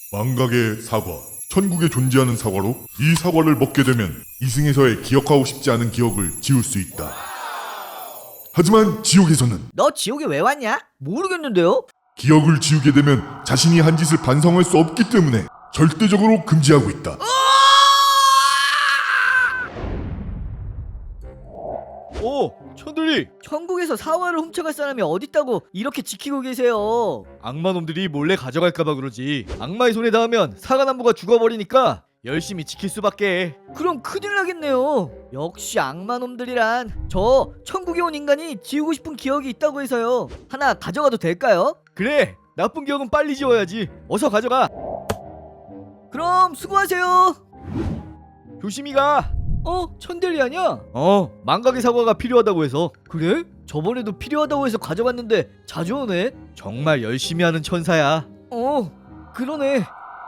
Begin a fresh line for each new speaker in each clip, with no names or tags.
망각의 사과. 천국에 존재하는 사과로 이 사과를 먹게 되면 이승에서의 기억하고 싶지 않은 기억을 지울 수 있다. 하지만 지옥에서는
너 지옥에 왜 왔냐? 모르겠는데요?
기억을 지우게 되면 자신이 한 짓을 반성할 수 없기 때문에 절대적으로 금지하고 있다.
천들이
천국에서 사과를 훔쳐갈 사람이 어딨다고 이렇게 지키고 계세요.
악마놈들이 몰래 가져갈까봐 그러지. 악마의 손에 닿으면 사과나무가 죽어버리니까 열심히 지킬 수밖에.
그럼 큰일 나겠네요. 역시 악마놈들이란. 저 천국에 온 인간이 지우고 싶은 기억이 있다고 해서요. 하나 가져가도 될까요?
그래, 나쁜 기억은 빨리 지워야지. 어서 가져가.
그럼 수고하세요.
조심히 가.
천델리 아냐?
망각의 사과가 필요하다고 해서.
그래? 저번에도 필요하다고 해서 가져갔는데 자주 오네.
정말 열심히 하는 천사야.
그러네.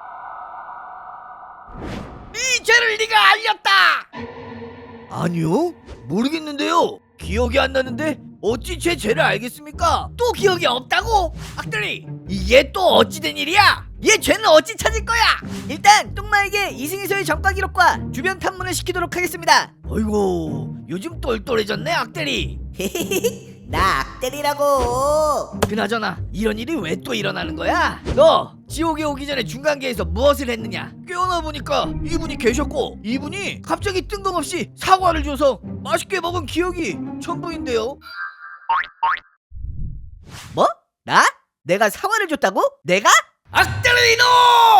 이 죄를 네가 알렸다.
아니요? 모르겠는데요. 기억이 안 나는데 어찌 제 죄를 알겠습니까?
또 기억이 없다고? 악들이 이게 또 어찌된 일이야? 얘 죄는 어찌 찾을 거야?
일단 똥마에게 이승에서의 전과 기록과 주변 탐문을 시키도록 하겠습니다.
어이구 요즘 똘똘해졌네 악들이.
나 악델이라고.
그나저나 이런 일이 왜 또 일어나는 거야? 너 지옥에 오기 전에 중간계에서 무엇을 했느냐? 깨어나 보니까 이분이 계셨고 이분이 갑자기 뜬금없이 사과를 줘서 맛있게 먹은 기억이 전부인데요.
뭐? 나? 내가 사과를 줬다고? 내가?
악들이 이놈!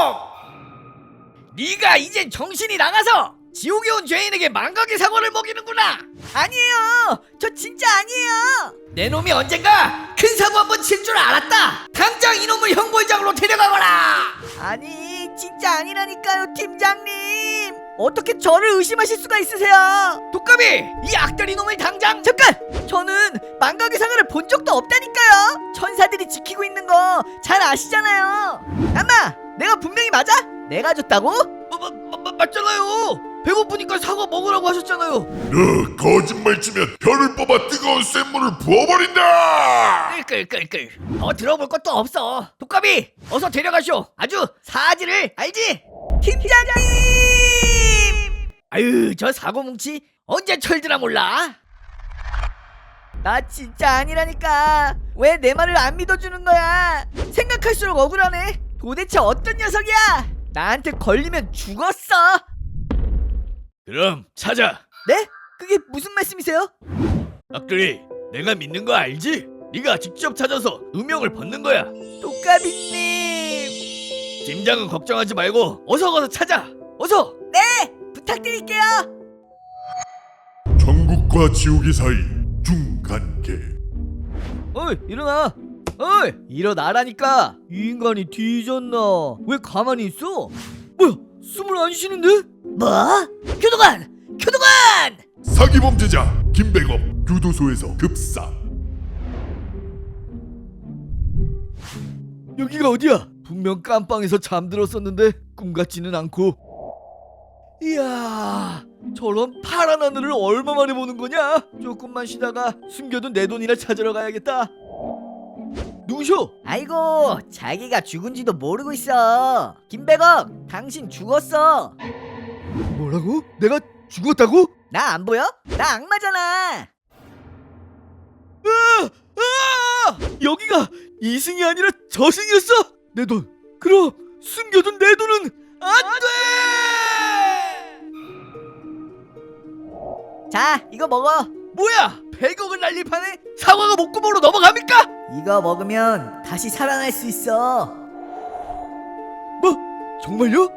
네가 이젠 정신이 나가서 지옥에 온 죄인에게 망각의 사과를 먹이는구나.
아니에요. 저 진짜 아니에요.
내 놈이 언젠가 큰 사고 한번 칠 줄 알았다. 당장 이놈을 형벌장으로 데려가거라.
아니 진짜 아니라니까요, 팀장님. 어떻게 저를 의심하실 수가 있으세요?
독감이 이 악들 이놈을 당장.
잠깐! 저는 망각의 사과를 본 적도 없다니까요. 천사들이 지키고 있는 거 잘 아시잖아요. 아마 내가 분명히 맞아? 내가 줬다고?
맞잖아요. 배고프니까 사과 먹으라고 하셨잖아요.
너 거짓말 치면 혀를 뽑아 뜨거운 쇳물을 부어버린다.
끌끌끌끌. 들어볼 것도 없어. 독감이 어서 데려가쇼. 아주 사지를 알지?
팀장님!
아유 저 사고뭉치 언제 철드나 몰라.
나 진짜 아니라니까. 왜 내 말을 안 믿어주는 거야? 생각할수록 억울하네. 도대체 어떤 녀석이야? 나한테 걸리면 죽었어.
그럼 찾아.
네? 그게 무슨 말씀이세요?
악들이 내가 믿는 거 알지? 네가 직접 찾아서 누명을 벗는 거야.
독가비님.
팀장은 걱정하지 말고 어서 찾아. 어서.
네! 부탁드릴게요.
천국과 지옥의 사이 중간계.
어이 일어나. 어이 일어나라니까. 이 인간이 뒤졌나? 왜 가만히 있어? 뭐야 숨을 안 쉬는데?
뭐? 교도관! 교도관!
사기 범죄자 김백업 교도소에서 급사.
여기가 어디야? 분명 깜빵에서 잠들었었는데 꿈 같지는 않고. 이야, 저런 파란 하늘을 얼마 만에 보는 거냐? 조금만 쉬다가 숨겨둔 내 돈이나 찾으러 가야겠다. 누구셔?
아이고 자기가 죽은지도 모르고 있어. 김백업 당신 죽었어.
뭐라고? 내가 죽었다고?
나 안 보여? 나 악마잖아.
여기가 이승이 아니라 저승이었어? 내 돈. 그럼 숨겨둔 내 돈은 안 돼!
자 이거 먹어.
뭐야? 100억을 날릴 판에 사과가 목구멍으로 넘어갑니까?
이거 먹으면 다시 살아날 수 있어.
뭐? 정말요?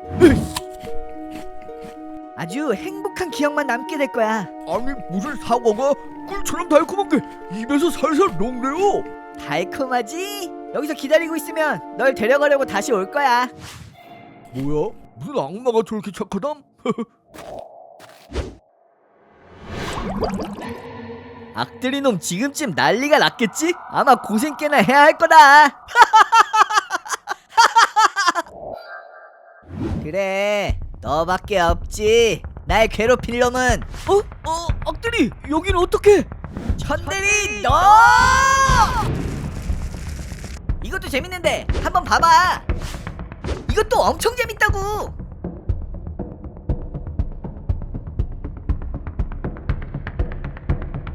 아주 행복한 기억만 남게 될 거야.
아니 무슨 사과가 꿀처럼 달콤한 게 입에서 살살 녹네요.
달콤하지? 여기서 기다리고 있으면 널 데려가려고 다시 올 거야.
뭐야? 무슨 악마가 저렇게 착하담?
악들이 놈 지금쯤 난리가 났겠지? 아마 고생 꽤나 해야 할 거다. 그래 너밖에 없지. 날 괴롭힐 놈은.
악들이 여기는 어떻게?
천대리 너. 이것도 재밌는데 한번 봐봐. 이것도 엄청 재밌다고.